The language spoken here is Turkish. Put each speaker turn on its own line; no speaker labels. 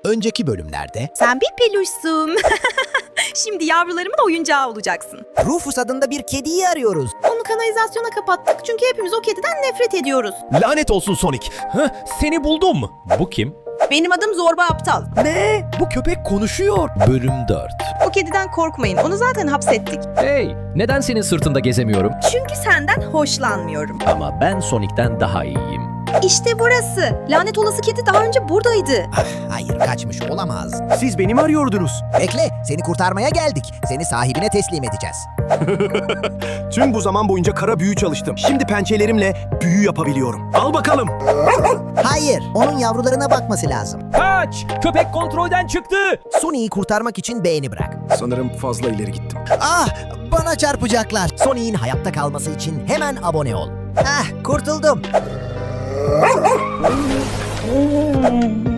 Önceki bölümlerde
Sen bir peluşsun. Şimdi yavrularımın oyuncağı olacaksın.
Rufus adında bir kediyi arıyoruz.
Onu kanalizasyona kapattık çünkü hepimiz o kediden nefret ediyoruz.
Lanet olsun Sonic. Seni buldum. Bu kim?
Benim adım Zorba Aptal.
Ne? Bu köpek konuşuyor. Bölüm 4.
O kediden korkmayın. Onu zaten hapsettik.
Hey, neden senin sırtında gezemiyorum?
Çünkü senden hoşlanmıyorum.
Ama ben Sonic'ten daha iyiyim.
İşte burası. Lanet olası kedi daha önce buradaydı.
Hayır, kaçmış olamaz.
Siz beni mi arıyordunuz?
Bekle, seni kurtarmaya geldik. Seni sahibine teslim edeceğiz.
Tüm bu zaman boyunca kara büyü çalıştım. Şimdi pençelerimle büyü yapabiliyorum. Al bakalım.
Hayır, onun yavrularına bakması lazım.
Kaç! Köpek kontrolden çıktı.
Sony'yi kurtarmak için beğeni bırak.
Sanırım fazla ileri gittim.
Ah, bana çarpacaklar. Sony'in hayatta kalması için hemen abone ol. Ah, kurtuldum.